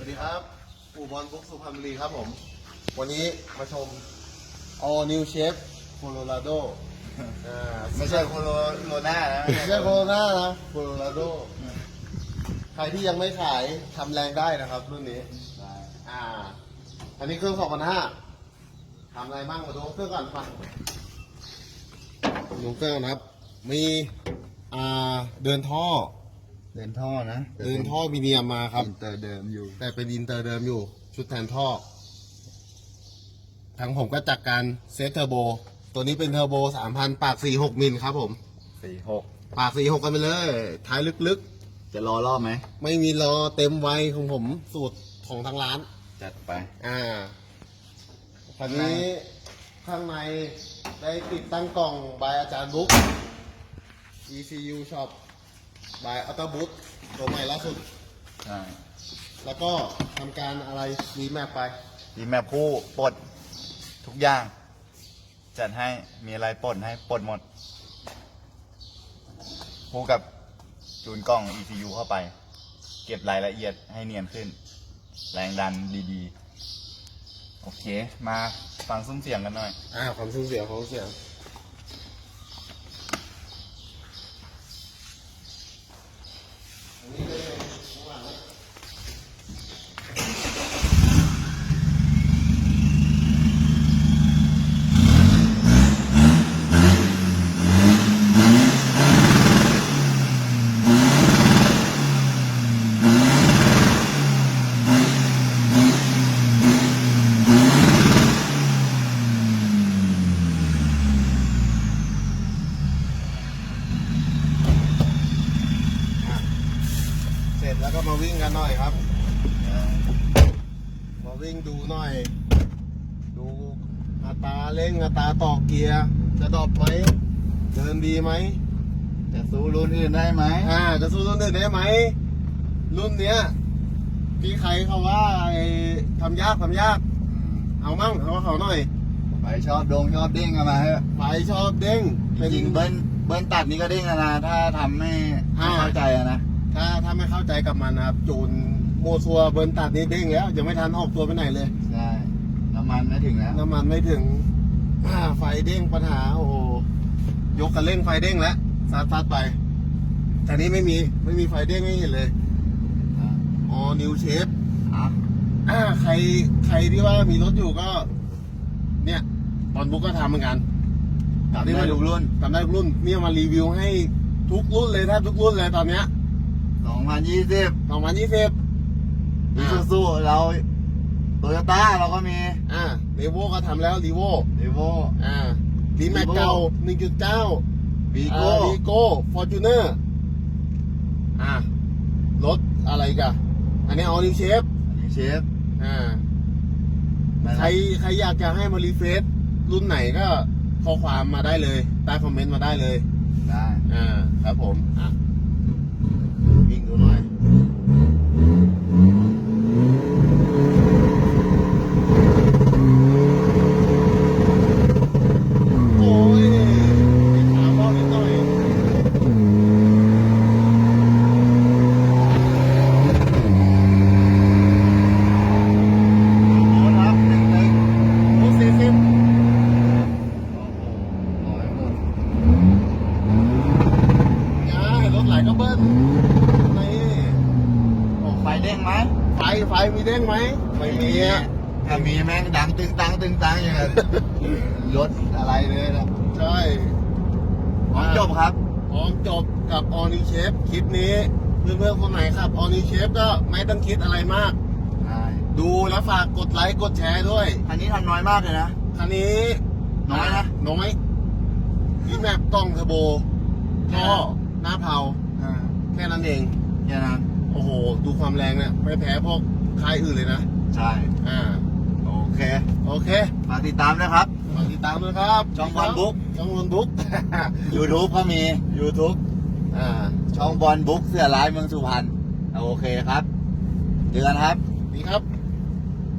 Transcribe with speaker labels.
Speaker 1: วัสดีครับอู่บอลบุ๊กสุพรรณบุรีครับผมวันนี้มาชม All New Shape Colorado
Speaker 2: ไม่ใช่โคโรนานะ
Speaker 1: ไม่ใช่โคโรนานะ Colorado ใครที่ยังไม่ขายทำแรงได้นะครับรุ่นนี้อันนี้เครื่อง 2,500ทำอะไรบ้างมาดูเครื่องก่อนฟังดูเครื่องนะครับมีเดินท่อ
Speaker 2: นะ
Speaker 1: เดินท่อมีเนียมมาครับ
Speaker 2: อินเตอร์เดิมอยู่
Speaker 1: แต่เป็นอินเตอร์เดิมอยู่ชุดแทนท่อทางผมก็จัดการเซตเทอร์โบตัวนี้เป็นเทอร์โบ 3,000 ปาก 46 มิลครับผม
Speaker 2: 46
Speaker 1: ปาก 46 กันไปเลยท้ายลึก
Speaker 2: จะรอรอบไหม
Speaker 1: ๆ ไม่มีรอเต็มไวของผมสูตรของทางร้าน
Speaker 2: จัดไป
Speaker 1: คันนี้ข้างในได้ติดตั้งกล่องบายอาจารย์บุ๊ก ECU Shop บายอัลตบุ๊กตัวใหม่ล่าสุด
Speaker 2: ใช่
Speaker 1: แล้วก็ทำการอะไรรีแมปไป
Speaker 2: ดีแมพคู่ปลดทุกอย่าง จัดให้มีอะไรปลดให้ปลดหมด คู่กับจูนกล้อง ECU เข้าไป เก็บรายละเอียดให้เนียนขึ้น แรงดันดีๆ โอเค มาฟังซุ้มเสียงกันหน่อย
Speaker 1: ความสูญเสียของเสียงเสร็จแล้วก็มาวิ่งกันหน่อยครับ มาวิ่งดูหน่อย ดูอัตราเร่งอัตราต่อเกียร์จะดรอปไหมเดินดีไหม
Speaker 2: จะสู้รุ่นอื่นได้ไหม
Speaker 1: จะสู้รุ่นอื่นได้ไหมรุ่นเนี้ยพี่ใครเขาว่าทำยากเอามั่งเอาเขาหน่อย
Speaker 2: ไปชอบเด้งกันมาเถอะ
Speaker 1: ไฟชอบเด้ง
Speaker 2: จริงๆเบิ้ลตัดนี่ก็เด้งนะ ถ้าทำไม่เข้าใจนะ
Speaker 1: ถ้าไม่เข้าใจกับมันนะครับจูนโมซัวเบิร์นตัดนี่เด้งแล้วยังไม่ทันออกตัวไปไหนเลย
Speaker 2: ใช่ น้ำมันไม่ถึงแล้ว
Speaker 1: น้ำมันไม่ถึงไฟเด้งปัญหาโอ้โหยกกันเร่งไฟเด้งแล้วซัดไปแต่นี้ไม่มีไฟเด้งไม่เห็นเลยอ๋อนิวเชฟใครที่ว่ามีรถอยู่ก็ เนี่ยตอนบุ๊กก็ทำเหมือนกัน
Speaker 2: ทำได้ทุกรุ่น
Speaker 1: ทำได้ทุกรุ่นเนี่ยมารีวิวให้ทุกรุ่นเลยแทบทุกรุ่นเลยตอนเนี้ย
Speaker 2: 2020
Speaker 1: 2020
Speaker 2: อีซูซูเราโตโยต้าเราก็มี
Speaker 1: เรโวก็ทำแล้วรีโว
Speaker 2: เดโว
Speaker 1: ดีแม็กเก่า 1.9
Speaker 2: วีโก้
Speaker 1: วีโก้ฟอร์จูเนอร์รถอะไรกันอันนี้ออนิเชฟ
Speaker 2: อันนี้เชฟ
Speaker 1: ใครอยากจะให้มารีเฟซรุ่นไหนก็ข้อความมาได้เลยใต้คอมเมนต์มาได้เลย
Speaker 2: ได้
Speaker 1: ครับผมวิ่งดูหน่อยโอ้ยขาเบานิดหน่อย
Speaker 2: โอ้ครับหนึ่ง
Speaker 1: โอ้40
Speaker 2: ร้อยหมด
Speaker 1: รถไหลก็เบิ้ลนี่
Speaker 2: โอ้ไฟเด้งไหม
Speaker 1: ไฟมีเด้งไหมไม่มีอ่ะ
Speaker 2: ถ้ามีแม่งดังตึงตังอย่างนั้นรถอะไรเลยนะ
Speaker 1: ใช่
Speaker 2: พร้อมจบครับ
Speaker 1: พร้อมจบกับออนิเชฟคลิปนี้เพื่อนๆคนไหนครับออนิเชฟก็ไม่ต้องคิดอะไรมาก
Speaker 2: ใช่
Speaker 1: ดูแล้วฝากกดไลค์กดแชร์ด้วย
Speaker 2: คันนี้ทำน้อยมากเลยนะ
Speaker 1: คันนี้
Speaker 2: น้อยนะ
Speaker 1: น้อยที่แมปกล้องเทอร์โบท่อหน้าเผาแค่นั้นเอง
Speaker 2: แค่นั้น
Speaker 1: โอ้โห ดูความแรงเนี่ยไม่แพ้พวกค่ายอื่นเลยนะ
Speaker 2: ใช่ โอเค
Speaker 1: โอเค
Speaker 2: ฝากติดตามนะครับ
Speaker 1: ฝากติดตามด้วยครับ
Speaker 2: ช่องบอลบุ๊ก
Speaker 1: ช่องบอลบุ๊ก
Speaker 2: YouTube ก็มี
Speaker 1: YouTube
Speaker 2: ช่องบอลบุ๊กเสือร้ายเมืองสุพรรณโอเคครับเจอกันครับ
Speaker 1: ดีครับ